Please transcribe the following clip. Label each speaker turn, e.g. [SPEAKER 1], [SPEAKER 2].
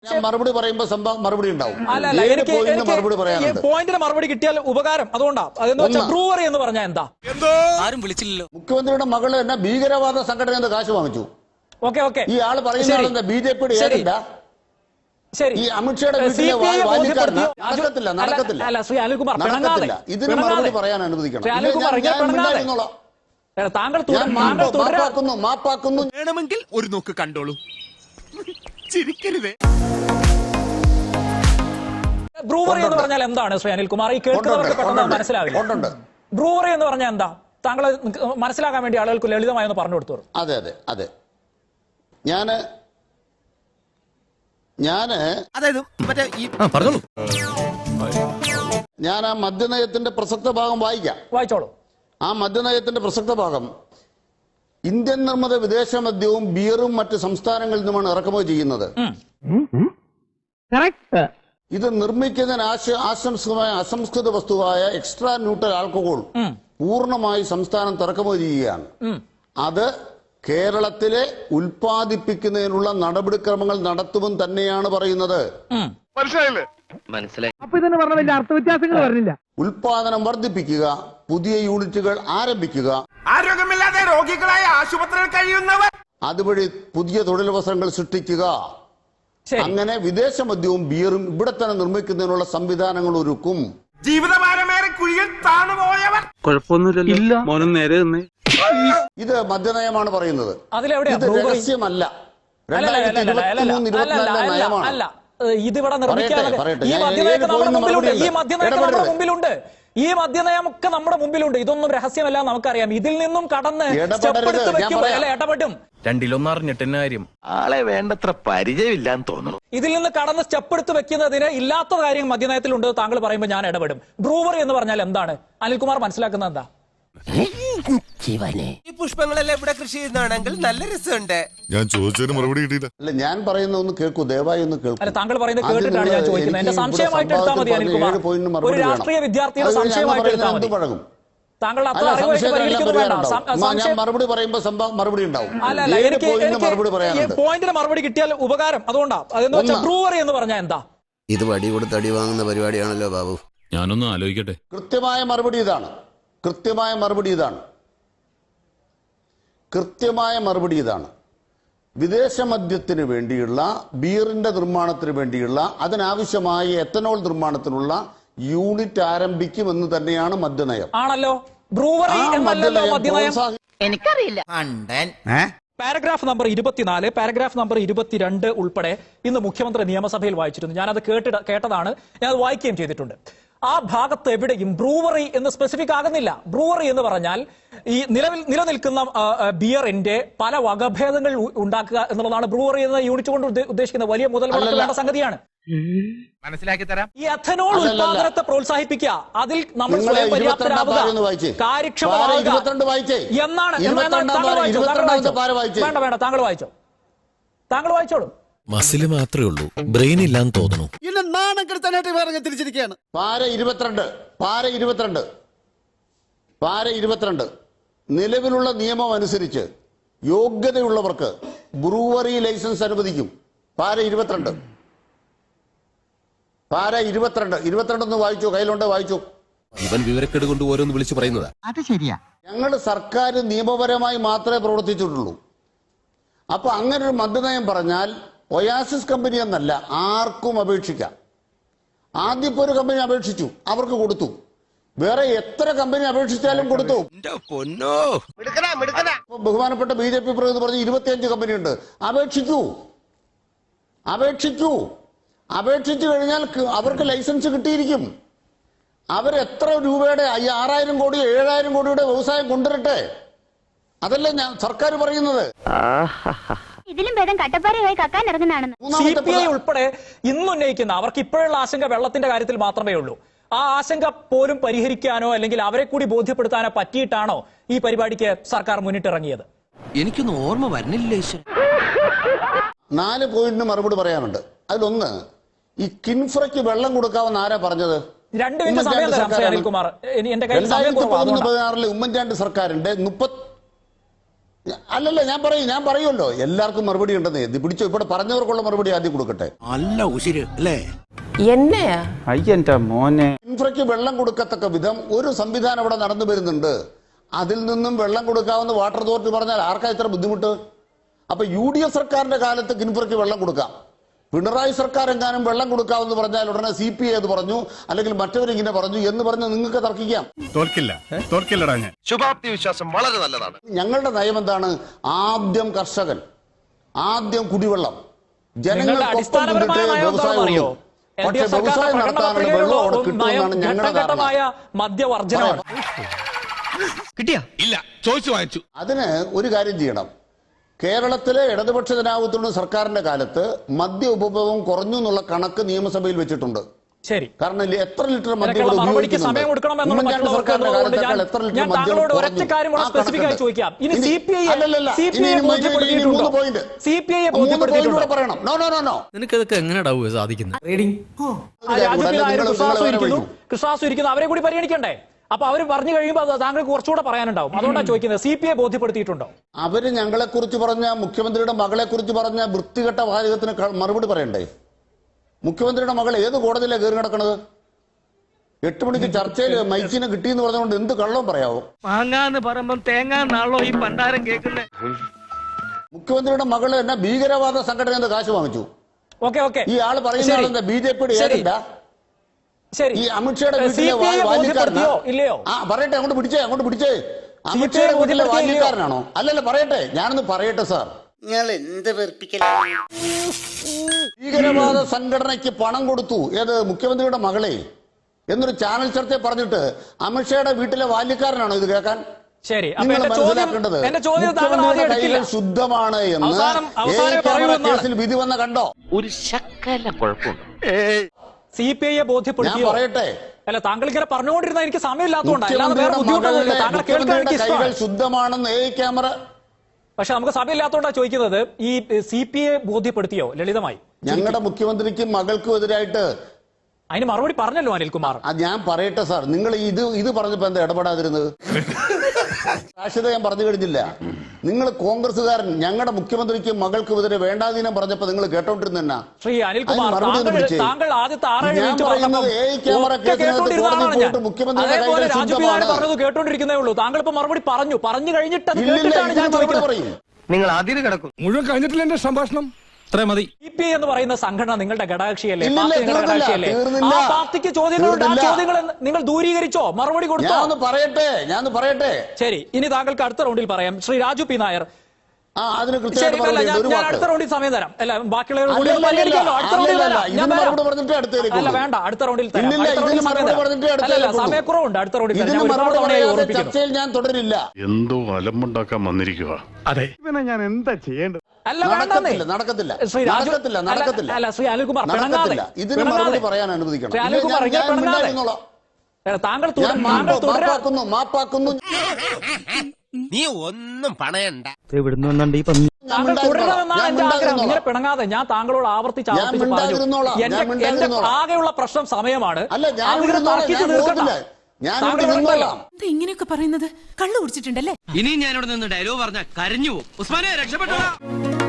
[SPEAKER 1] ഞാൻ മറുപടി പറയുമ്പോൾ മറുപടി ഉണ്ടാവും.
[SPEAKER 2] പോയിന്റിന് മറുപടി കിട്ടിയാൽ ഉപകാരം. അതുകൊണ്ടാണ് ബ്രൂവറി എന്ന് പറഞ്ഞാൽ എന്താ?
[SPEAKER 3] ആരും വിളിച്ചില്ലല്ലോ.
[SPEAKER 1] മുഖ്യമന്ത്രിയുടെ മകള് തന്നെ ഭീകരവാദ സംഘടന കാശ് വാങ്ങിച്ചു. ഈ ആള് പറയുന്ന ബി.ജെ.പിയുടെ ഏജന്റാ. ഈ അമിത്ഷായുടെ വീട്ടിലെ വാല്യക്കാരനാ. നടക്കത്തില്ല. ഇതിന് മറുപടി പറയാൻ അനുവദിക്കണം. മാപ്പാക്കുന്നു.
[SPEAKER 4] വേണമെങ്കിൽ ഒരു നോക്ക് കണ്ടോളൂ. ചിരിക്കരുതേ.
[SPEAKER 2] ബ്രൂവറി എന്ന് പറഞ്ഞാൽ എന്താണ് ശ്രീ അനിൽകുമാർ? ഈ കേൾക്കുന്നവർക്ക് പെട്ടെന്ന് മനസ്സിലാവില്ല. ബ്രൂവറി എന്ന് പറഞ്ഞാൽ എന്താ? താങ്കൾ മനസ്സിലാക്കാൻ വേണ്ടി ആളുകൾക്ക് ലളിതമായി ഒന്ന് പറഞ്ഞു കൊടുത്തോളൂ.
[SPEAKER 1] അതെ ഞാന് ഞാൻ ആ മദ്യനയത്തിന്റെ പ്രസക്ത ഭാഗം
[SPEAKER 2] വായിച്ചോളൂ.
[SPEAKER 1] ആ മദ്യനയത്തിന്റെ പ്രസക്ത ഭാഗം ഇന്ത്യൻ നിർമ്മിത വിദേശ മദ്യവും ബിയറും മറ്റ് സംസ്ഥാനങ്ങളിൽ നിന്നുമാണ് ഇറക്കുമതി ചെയ്യുന്നത്. ഇത് നിർമ്മിക്കുന്നതിന് അസംസ്കൃത വസ്തുവായ എക്സ്ട്രാ ന്യൂട്രൽ ആൽക്കഹോൾ പൂർണ്ണമായി സംസ്ഥാനം ഇറക്കുമതി ചെയ്യുകയാണ്. അത് കേരളത്തിലെ ഉൽപ്പാദിപ്പിക്കുന്നതിനുള്ള നടപടിക്രമങ്ങൾ നടത്തുമെന്ന് തന്നെയാണ് പറയുന്നത്.
[SPEAKER 5] മനസ്സിലായി.
[SPEAKER 1] ഉൽപാദനം വർദ്ധിപ്പിക്കുക, പുതിയ യൂണിറ്റുകൾ ആരംഭിക്കുക,
[SPEAKER 4] ആരോഗ്യമില്ലാതെ രോഗികളായ ആശുപത്രിയിൽ കഴിയുന്നവർ
[SPEAKER 1] അതുവഴി പുതിയ തൊഴിലവസരങ്ങൾ സൃഷ്ടിക്കുക. അങ്ങനെ വിദേശ മദ്യവും ബിയറും ഇവിടെ തന്നെ നിർമ്മിക്കുന്നതിനുള്ള സംവിധാനങ്ങൾ ഒരുക്കും.
[SPEAKER 4] ജീവിതഭാരമേറെ കുഴിയിൽ താണുപോയവർ
[SPEAKER 6] കുഴപ്പമൊന്നുമില്ല മോനും നേരെ തന്നെ.
[SPEAKER 1] ഇത് മദ്യനയമാണ് പറയുന്നത്. ഇത് രഹസ്യമല്ല. 2023-24 നയമാണ്.
[SPEAKER 2] ഇതിവിടെ നിർമ്മിക്കാതെ ഈ മദ്യനയമൊക്കെ നമ്മുടെ മുമ്പിലുണ്ട്. ഈ മദ്യനയമൊക്കെ നമ്മുടെ മുമ്പിലുണ്ട്. ഇതൊന്നും രഹസ്യമല്ല, നമുക്കറിയാം. ഇതിൽ നിന്നും കടന്ന് ഇടപെടും.
[SPEAKER 3] രണ്ടിലൊന്നറിഞ്ഞിട്ടെന്നെ കാര്യം.
[SPEAKER 5] ആളെ വേണ്ടത്ര പരിചയമില്ലാന്ന് തോന്നുന്നു.
[SPEAKER 2] ഇതിൽ നിന്ന് കടന്ന് സ്റ്റെപ്പെടുത്ത് വെക്കുന്നതിന് ഇല്ലാത്ത കാര്യം മദ്യനയത്തിലുണ്ട്. താങ്കൾ പറയുമ്പോൾ ഞാൻ ഇടപെടും. ബ്രൂവറി എന്ന് പറഞ്ഞാൽ എന്താണ്? അനിൽകുമാർ മനസ്സിലാക്കുന്നത് എന്താ?
[SPEAKER 4] ഈ പുഷ്പങ്ങളെല്ലാം ഇവിടെ കൃഷി ചെയ്യുന്നതാണെങ്കിൽ നല്ല രസമുണ്ട്.
[SPEAKER 7] ഞാൻ ചോദിച്ചതിന് മറുപടി കിട്ടിയില്ല.
[SPEAKER 1] അല്ല, ഞാൻ പറയുന്ന ഒന്ന് കേൾക്കൂ, ദയവായി ഒന്ന് കേൾക്കൂ.
[SPEAKER 2] അല്ല, താങ്കൾ പറയുന്നത് കേട്ടിട്ടാണ് ഞാൻ ചോദിക്കുന്നത്. എന്റെ സംശയമായിട്ട് എടുത്താൽ മതി അനിൽകുമാർ. ഒരു രാഷ്ട്രീയ വിദ്യാർത്ഥിയുടെ സംശയമായിട്ട് എടുത്താൽ മതി. താങ്കൾ അത്ര അറിവായിട്ട് പരിഹരിക്കുന്നു വേണ്ട.
[SPEAKER 1] ഞാൻ മറുപടി പറയുമ്പോൾ മറുപടി ഉണ്ടാവും.
[SPEAKER 2] അല്ല, എനിക്ക് പോയിന്റിന് മറുപടി കിട്ടിയാൽ ഉപകാരം. അതുകൊണ്ടാണ് ബ്രൂവറി എന്ന് പറഞ്ഞാൽ എന്താ?
[SPEAKER 8] ഇത് വടി കൊടുത്ത് അടി വാങ്ങുന്ന പരിപാടിയാണല്ലോ ബാബു.
[SPEAKER 7] ഞാനൊന്ന് ആലോചിക്കട്ടെ.
[SPEAKER 1] കൃത്യമായ മറുപടി ഇതാണ്. വിദേശ മദ്യത്തിന് വേണ്ടിയുള്ള, ബിയറിന്റെ നിർമ്മാണത്തിന് വേണ്ടിയുള്ള, അതിനാവശ്യമായ എത്തനോൾ നിർമ്മാണത്തിനുള്ള യൂണിറ്റ് ആരംഭിക്കുമെന്ന് തന്നെയാണ് മദ്യനയം.
[SPEAKER 2] ആണല്ലോ. ബ്രൂവറി എന്നല്ലല്ലോ മദ്യനയം.
[SPEAKER 3] എനിക്കറിയില്ല.
[SPEAKER 2] പാരഗ്രാഫ് നമ്പർ 24, പാരഗ്രാഫ് നമ്പർ 22 ഉൾപ്പെടെ ഇന്ന് മുഖ്യമന്ത്രി നിയമസഭയിൽ വായിച്ചിരുന്നു. ഞാനത് കേട്ടതാണ്. ഞാനത് വായിക്കുകയും ചെയ്തിട്ടുണ്ട്. ആ ഭാഗത്ത് എവിടെയും ബ്രൂവറി എന്ന് സ്പെസിഫിക് ആകുന്നില്ല. ബ്രൂവറി എന്ന് പറഞ്ഞാൽ ഈ നിലനിൽക്കുന്ന ബിയറിന്റെ പല വകഭേദങ്ങൾ ഉണ്ടാക്കുക എന്നുള്ളതാണ് ബ്രൂവറി എന്ന യൂണിറ്റ് കൊണ്ട് ഉദ്ദേശിക്കുന്നത്. വലിയ മുതൽ വേണ്ട സംഗതിയാണ്.
[SPEAKER 4] മനസ്സിലാക്കി തരാം.
[SPEAKER 2] ഈ എഥനോൾ ഉൽപാദനത്തെ പ്രോത്സാഹിപ്പിക്കുക, അതിൽ നമ്മൾ സ്വയം പര്യാപ്തരാവുക, കാര്യക്ഷമമാവുക എന്നാണ്. വേണ്ട, താങ്കൾ വായിച്ചോളൂ.
[SPEAKER 9] മസിൽ മാത്രമേ ഉള്ളൂ, ബ്രെയിൻ ഇല്ലാന്ന് തോന്നുന്നു.
[SPEAKER 1] തിരിച്ചിരിക്കുകയാണ്. പാര 22 നിലവിലുള്ള നിയമം അനുസരിച്ച് യോഗ്യതയുള്ളവർക്ക് ബ്രൂവറി ലൈസൻസ് അനുവദിക്കും. പാര 22 വായിച്ചു, കയ്യിലുണ്ട്, വായിച്ചു.
[SPEAKER 9] ഇവൻ വിവരക്കേട് കൊണ്ട് ഓരോന്ന് വിളിച്ചു പറയുന്നതാ.
[SPEAKER 5] അത് ശരിയാ.
[SPEAKER 1] ഞങ്ങൾ സർക്കാർ നിയമപരമായി മാത്രമേ പ്രവർത്തിച്ചിട്ടുള്ളൂ. അപ്പൊ അങ്ങനെ ഒരു മദ്യനയം പറഞ്ഞാൽ ഒയാസിസ് കമ്പനി എന്നല്ല, ആർക്കും അപേക്ഷിക്കാം. ആദ്യം ഇപ്പോൾ ഒരു കമ്പനി അപേക്ഷിച്ചു, അവർക്ക് കൊടുത്തു. വേറെ എത്ര കമ്പനി അപേക്ഷിച്ചാലും കൊടുത്തു. ബഹുമാനപ്പെട്ട ബി.ജെ.പി. പ്രതിനിധി പറഞ്ഞ് 25 കമ്പനിയുണ്ട്. അപേക്ഷിച്ചു കഴിഞ്ഞാൽ അവർക്ക് ലൈസൻസ് കിട്ടിയിരിക്കും. അവരെത്ര രൂപയുടെ 6,000 കോടി 7,000 കോടിയുടെ വ്യവസായം കൊണ്ടുവരട്ടെ. അതല്ലേ ഞാൻ സർക്കാർ പറയുന്നത്.
[SPEAKER 10] ഇതിലും ഭേദം കട്ടപ്പാറയായി കക്കാൻ ഇറങ്ങുന്നതാണെന്ന്
[SPEAKER 2] CPI ഉൾപ്പെടെ ഇന്നുന്നയിക്കുന്ന അവർക്ക് ഇപ്പോഴുള്ള ആശങ്ക വെള്ളത്തിന്റെ കാര്യത്തിൽ മാത്രമേ ഉള്ളൂ. ആ ആശങ്ക പോലും പരിഹരിക്കാനോ അല്ലെങ്കിൽ അവരെ കൂടി ബോധ്യപ്പെടുത്താനോ പറ്റിയിട്ടാണോ ഈ പരിപാടിക്ക് സർക്കാർ മുന്നിട്ടിറങ്ങിയത്?
[SPEAKER 3] എനിക്കൊന്നും ഓർമ്മ വരുന്നില്ല.
[SPEAKER 1] 4 പോയിന്റിന് മറുപടി പറയാനുണ്ട്. അതിലൊന്ന്, ഈ കിൻഫ്രയ്ക്ക് വെള്ളം കൊടുക്കാമെന്ന് ആരാ പറഞ്ഞത്?
[SPEAKER 2] 2 മിനിറ്റ് സമയം തരാം അനിൽകുമാർ. എന്റെ കയ്യിൽ സമയം കുറവാണ്.
[SPEAKER 1] 2016 ഉമ്മൻചാണ്ടി സർക്കാരിന്റെ അല്ലല്ല, ഞാൻ പറയുമല്ലോ, എല്ലാവർക്കും മറുപടി ഉണ്ടെന്നേ. ഇത് പിടിച്ചോ, ഇവിടെ പറഞ്ഞവർക്കുള്ള മറുപടി ആദ്യം കൊടുക്കട്ടെ.
[SPEAKER 8] നല്ല ഉശിര് അല്ലേ?
[SPEAKER 11] എന്നെയാ
[SPEAKER 6] അയ്യന്റെ മോനെ.
[SPEAKER 1] ഇൻഫ്രയ്ക്ക് വെള്ളം കൊടുക്കത്തക്ക വിധം ഒരു സംവിധാനം ഇവിടെ നടന്നു വരുന്നുണ്ട്. അതിൽ നിന്നും വെള്ളം കൊടുക്കാവുന്ന വാട്ടർ അതോറിറ്റി പറഞ്ഞാൽ ആർക്കാ ഇത്ര ബുദ്ധിമുട്ട്? അപ്പൊ UDF സർക്കാരിന്റെ കാലത്ത് കിൻഫ്രയ്ക്ക് വെള്ളം കൊടുക്കാം. പിണറായി സർക്കാർ എങ്ങാനും വെള്ളം കൊടുക്കാമെന്ന് പറഞ്ഞാൽ ഉടനെ CPI അത് പറഞ്ഞു, അല്ലെങ്കിൽ മറ്റവരിങ്ങനെ പറഞ്ഞു എന്ന് പറഞ്ഞ് നിങ്ങൾക്ക് തർക്കിക്കാം.
[SPEAKER 7] തോൽക്കില്ലടാ ഞാൻ.
[SPEAKER 5] ശുഭാപ്തി വിശ്വാസം വളരെ നല്ലതാണ്.
[SPEAKER 1] ഞങ്ങളുടെ നയം എന്താണ്? ആദ്യം കർഷകൻ, ആദ്യം കുടിവെള്ളം, ജനങ്ങൾക്കൊപ്പം നിന്നിട്ട് വ്യവസായം ഉള്ളൂ. പക്ഷെ വ്യവസായം നടത്താനുള്ള വെള്ളം അവിടെ കിട്ടുമെന്നാണ് ഞങ്ങളുടെ ധാരണ.
[SPEAKER 2] മദ്യവർജനമാണ്.
[SPEAKER 3] കിട്ടിയാ ഇല്ല ചോദിച്ചു വാങ്ങിച്ചു.
[SPEAKER 1] അതിന് ഒരു കാര്യം ചെയ്യണം. കേരളത്തിലെ ഇടതുപക്ഷ ജനാധിപത്യ സർക്കാരിന്റെ കാലത്ത് മദ്യ ഉപഭോഗം കുറഞ്ഞു എന്നുള്ള കണക്ക് നിയമസഭയിൽ വെച്ചിട്ടുണ്ട്.
[SPEAKER 2] ശരി,
[SPEAKER 1] കാരണം എത്ര ലിറ്റർ മദ്യം
[SPEAKER 2] ഇതിനൊക്കെയുള്ള മറുപടിക്ക് സമയം കൊടുക്കണമെന്നുള്ള മറ്റുള്ള സർക്കാരിന്റെ കാലത്തേക്കാൾ എത്ര ലിറ്റർ ഞാൻ
[SPEAKER 1] മദ്യം
[SPEAKER 2] താങ്കളോട് ഒരൊറ്റ
[SPEAKER 1] കുറഞ്ഞു?
[SPEAKER 2] കാര്യം കൂടെ
[SPEAKER 1] ആ
[SPEAKER 2] സ്പെസിഫിക് ആയി
[SPEAKER 1] കണക്കുണ്ട്.
[SPEAKER 2] ചോദിക്കാം. ഇനി
[SPEAKER 1] ഇനി-
[SPEAKER 2] CPI
[SPEAKER 1] അല്ലല്ലല്ല,
[SPEAKER 2] CPI
[SPEAKER 1] ഇനി
[SPEAKER 2] ബോധ്യപ്പെടുത്തിയിട്ടുണ്ടോ?
[SPEAKER 1] മൂന്ന് point.
[SPEAKER 2] CPI
[SPEAKER 1] മൂന്ന് point
[SPEAKER 2] ബോധ്യപ്പെടുത്തിയിട്ടുണ്ടോ?
[SPEAKER 1] കൂടെ പറയണം. നോ.
[SPEAKER 3] നിനക്കതൊക്കെ എങ്ങനെയാ സാധിക്കുന്നത്?
[SPEAKER 2] രാജു പിതാരും കൃഷ്ണാസു ഇരിക്കുന്നു, അവരെ കൂടി പരിഗണിക്കണ്ടേ? അപ്പൊ അവർ പറഞ്ഞു കഴിയുമ്പോൾ താങ്കൾക്ക് കുറച്ചുകൂടെ പറയാനുണ്ടാവും. അതുകൊണ്ടാണ് ചോദിക്കുന്നത്, CPI ബോധ്യപ്പെടുത്തിയിട്ടുണ്ടോ?
[SPEAKER 1] അവര് ഞങ്ങളെ കുറിച്ച് പറഞ്ഞ, മുഖ്യമന്ത്രിയുടെ മകളെ കുറിച്ച് പറഞ്ഞ വൃത്തികെട്ട വാചകത്തിന് മറുപടി പറയണ്ടേ? മുഖ്യമന്ത്രിയുടെ മകൾ ഏത് കോടതിയിലാണ് കയറി കിടക്കണത്? 8 മണിക്ക് ചർച്ചയിൽ മൈക്കിനെ കിട്ടിയെന്ന് പറഞ്ഞുകൊണ്ട് എന്ത് കള്ളവും പറയാവോ?
[SPEAKER 3] മാങ്ങാന്ന് പറയുമ്പോ തേങ്ങാന്നാണല്ലോ ഈ പണ്ടാരം കേൾക്കുന്നത്.
[SPEAKER 1] മുഖ്യമന്ത്രിയുടെ മകള് എന്നെ ഭീകരവാദ സംഘടന കാശ് വാങ്ങിച്ചു.
[SPEAKER 2] ഓക്കെ
[SPEAKER 1] ഈ ആള് പറയുന്നത് BJPയുടെ ഏജന്റാ?
[SPEAKER 2] ശരി,
[SPEAKER 1] ഈ അമിത്ഷായുടെ വീട്ടിലെ
[SPEAKER 2] CPI ബോധ്യപ്പെടുത്തിയോ ഇല്ലയോ?
[SPEAKER 1] പറയട്ടെ, അങ്ങോട്ട് പിടിച്ചേ. അമിത്ഷായുടെ വീട്ടിലെ ബാല്യക്കാരനാണോ? അല്ലല്ല, പറയട്ടെ, ഞാനൊന്ന് പറയട്ടെ സാർ.
[SPEAKER 8] നിങ്ങൾ എന്ത് വെറുപ്പിക്കലാണ്?
[SPEAKER 1] ഭീകരവാദ സംഘടനയ്ക്ക് പണം കൊടുത്തു, ഏത് മുഖ്യമന്ത്രിയുടെ മകളെ എന്നൊരു ചാനൽ ചർച്ചയിൽ പറഞ്ഞിട്ട് അമിത്ഷായുടെ വീട്ടിലെ ബാല്യക്കാരനാണോ ഇത് കേൾക്കാൻ?
[SPEAKER 2] ശരി, അപ്പൊ
[SPEAKER 1] നിങ്ങൾ
[SPEAKER 2] എന്റെ ചോദ്യം
[SPEAKER 1] മനസ്സിലാക്കേണ്ടത്
[SPEAKER 2] താങ്കൾ ആദ്യം
[SPEAKER 1] മുഖ്യമന്ത്രിയുടെ
[SPEAKER 2] എടുക്കില്ല.
[SPEAKER 1] കൈകൾ ശുദ്ധമാണ് എന്ന്
[SPEAKER 2] അവസാനം
[SPEAKER 1] കേസിൽ വിധി വന്ന കണ്ടോ?
[SPEAKER 5] ഒരു ശക്കല കുഴപ്പമുണ്ട്.
[SPEAKER 2] CPIയെ
[SPEAKER 1] ഞാൻ
[SPEAKER 2] ബോധ്യപ്പെടുത്തിയോ?
[SPEAKER 1] പറയട്ടെ,
[SPEAKER 2] അല്ല, താങ്കൾ ഇങ്ങനെ പറഞ്ഞുകൊണ്ടിരുന്ന എനിക്ക് സമയമില്ലാത്തതുകൊണ്ടാണ്, അല്ലാതെ വേറെ ബുദ്ധിമുട്ടൊന്നുമില്ല. താങ്കൾ കേൾക്കാൻ
[SPEAKER 1] മുഖ്യമന്ത്രിയുടെ
[SPEAKER 2] എനിക്ക്
[SPEAKER 1] കൈകൾ
[SPEAKER 2] ഇഷ്ടമാണ്.
[SPEAKER 1] ശുദ്ധമാണെന്ന് ക്യാമറ.
[SPEAKER 2] പക്ഷെ നമുക്ക് സമയമില്ലാത്തതുകൊണ്ടാണ് ചോദിക്കുന്നത്, ഈ CPIയെ ബോധ്യപ്പെടുത്തിയോ? ലളിതമായി
[SPEAKER 1] ഞങ്ങളുടെ മുഖ്യമന്ത്രിക്കും മകൾക്കും എതിരായിട്ട്
[SPEAKER 2] അതിന് മറുപടി പറഞ്ഞല്ലോ അനിൽകുമാർ.
[SPEAKER 1] ഞാൻ പറയട്ടെ സാർ, നിങ്ങൾ ഇത് പറഞ്ഞപ്പോ എന്താ ഇടപെടാതിരുന്നത്? സാക്ഷ്യത ഞാൻ പറഞ്ഞു കഴിഞ്ഞില്ല. നിങ്ങൾ കോൺഗ്രസ്സുകാരൻ ഞങ്ങളുടെ മുഖ്യമന്ത്രിക്കും മകൾക്കും എതിരെ വേണ്ടാധീനം പറഞ്ഞപ്പോ നിങ്ങൾ കേട്ടോണ്ടിരുന്ന
[SPEAKER 2] ശ്രീ അനിൽകുമാർ, താങ്കൾ ആദ്യത്തെ 6-7 മിനിറ്റ് അതേപോലെ രാജു പിതാവ് പറഞ്ഞത് കേട്ടോണ്ടിരിക്കുന്നേ ഉള്ളൂ. താങ്കൾ ഇപ്പൊ മറുപടി പറഞ്ഞു കഴിഞ്ഞിട്ട് അത് കേട്ടിട്ടാണ് ഞാൻ ചോദിക്കുന്നത്.
[SPEAKER 5] നിങ്ങൾ അതിര് കിടക്കും.
[SPEAKER 4] മുഴുവൻ കഴിഞ്ഞിട്ടില്ല എന്റെ സംഭാഷണം.
[SPEAKER 3] അത്രേ മതി.
[SPEAKER 2] CPI എന്ന് പറയുന്ന സംഘടന നിങ്ങളുടെ ഘടകകക്ഷിയല്ലേ?
[SPEAKER 1] ഇല്ലില്ല,
[SPEAKER 2] പാർട്ടി നിങ്ങളുടെ ഘടകകക്ഷിയല്ലേ?
[SPEAKER 1] തീർന്നില്ല.
[SPEAKER 2] ആ പാർട്ടിക്ക് ചോദ്യങ്ങളുണ്ട്. ആ ചോദ്യങ്ങൾ നിങ്ങൾ ദൂരീകരിച്ചോ? മറുപടി കൊടുത്തോ?
[SPEAKER 1] ഞാൻ പറയട്ടെ.
[SPEAKER 2] ശരി, ഇനി താങ്കൾക്ക് അടുത്ത റൗണ്ടിൽ പറയാം. ശ്രീ രാജു പി നായർ,
[SPEAKER 1] അതിന്
[SPEAKER 2] ശരി,
[SPEAKER 1] കൃത്യമായിട്ട്
[SPEAKER 2] അല്ല,
[SPEAKER 1] മറുപടി ഉണ്ട്. ഒരു
[SPEAKER 2] ഞാൻ
[SPEAKER 1] വാക്ക്.
[SPEAKER 2] അടുത്ത റൗണ്ടിൽ സമയം തരാം. അല്ല, ബാക്കിയുള്ളവർ
[SPEAKER 1] അല്ല,
[SPEAKER 2] കൂടി
[SPEAKER 1] അല്ല,
[SPEAKER 2] പരിഗണിക്കാമല്ലോ. അടുത്ത റൗണ്ടിൽ
[SPEAKER 1] അല്ല,
[SPEAKER 2] തരാം. ഞാൻ
[SPEAKER 1] ഇതിന്
[SPEAKER 2] തരാം.
[SPEAKER 1] മറുപടി പറഞ്ഞിട്ട് അടുത്തേക്ക്
[SPEAKER 2] അല്ല,
[SPEAKER 1] കൊള്ളൂ.
[SPEAKER 2] വേണ്ട, അടുത്ത റൗണ്ടിൽ തരാം.
[SPEAKER 1] ഇല്ലില്ല,
[SPEAKER 2] അടുത്ത റൗണ്ടിൽ
[SPEAKER 1] ഇതിന്
[SPEAKER 2] സമയം
[SPEAKER 1] മറുപടി
[SPEAKER 2] തരാം.
[SPEAKER 1] പറഞ്ഞിട്ട്
[SPEAKER 2] അല്ല,
[SPEAKER 1] അടുത്തേക്ക് കൊള്ളൂ.
[SPEAKER 2] സമയക്കുറവുണ്ട്. അടുത്ത റൗണ്ടിൽ തരാം.
[SPEAKER 1] ഇതിന്
[SPEAKER 2] ഞാൻ ഒരുപാട്
[SPEAKER 1] മറുപടി
[SPEAKER 2] തവണയായി
[SPEAKER 1] പറയാതെ
[SPEAKER 2] ഓർമ്മിപ്പിക്കുന്നു.
[SPEAKER 1] ചർച്ചയിൽ ഞാൻ തുടരില്ല.
[SPEAKER 7] എന്തോ അലമ്പുണ്ടാക്കാൻ വന്നിരിക്കുക.
[SPEAKER 4] അതെ, ഞാൻ എന്താ ചെയ്യേണ്ടത്?
[SPEAKER 2] അല്ല, വേണ്ടെന്നേ.
[SPEAKER 1] നടക്കത്തില്ല.
[SPEAKER 2] ശ്രീ രാജു, അല്ല, ശ്രീ അനിൽകുമാർ, പിണങ്ങാതെ.
[SPEAKER 1] ഇതിന് മറുപടി പറയാൻ അനുവദിക്കണം.
[SPEAKER 2] ശ്രീ അനിൽകുമാർ,
[SPEAKER 1] ഞാൻ
[SPEAKER 2] പിണങ്ങാതെ.
[SPEAKER 1] മിണ്ടാതിരുന്നോളാം.
[SPEAKER 2] താങ്കൾ
[SPEAKER 1] ഞാൻ മാപ്പാക്കുന്നു.
[SPEAKER 4] നീ ഒന്നും പണയണ്ട.
[SPEAKER 2] താങ്കൾ തുടരണമെന്നാണ് എന്റെ ആഗ്രഹം. ഇങ്ങനെ പിണങ്ങാതെ. ഞാൻ താങ്കളോട് ആവർത്തിച്ച് പറഞ്ഞു. എന്റെ ആകെയുള്ള പ്രശ്നം സമയമാണ്.
[SPEAKER 1] അല്ല, ഞാൻ
[SPEAKER 2] അതിങ്ങനെ തർക്കിച്ച് തീർക്കണ്ട. താങ്കൾ
[SPEAKER 1] നിന്നോളാം.
[SPEAKER 11] ഇങ്ങനെയൊക്കെ പറയുന്നത് കള്ളു കുടിച്ചിട്ടുണ്ടല്ലേ?
[SPEAKER 3] ഇനി ഞാനിവിടെ നിന്ന് ഡയലോഗ് പറഞ്ഞ കരഞ്ഞു പോകും. ഉസ്മാനെ രക്ഷപ്പെട്ടോ.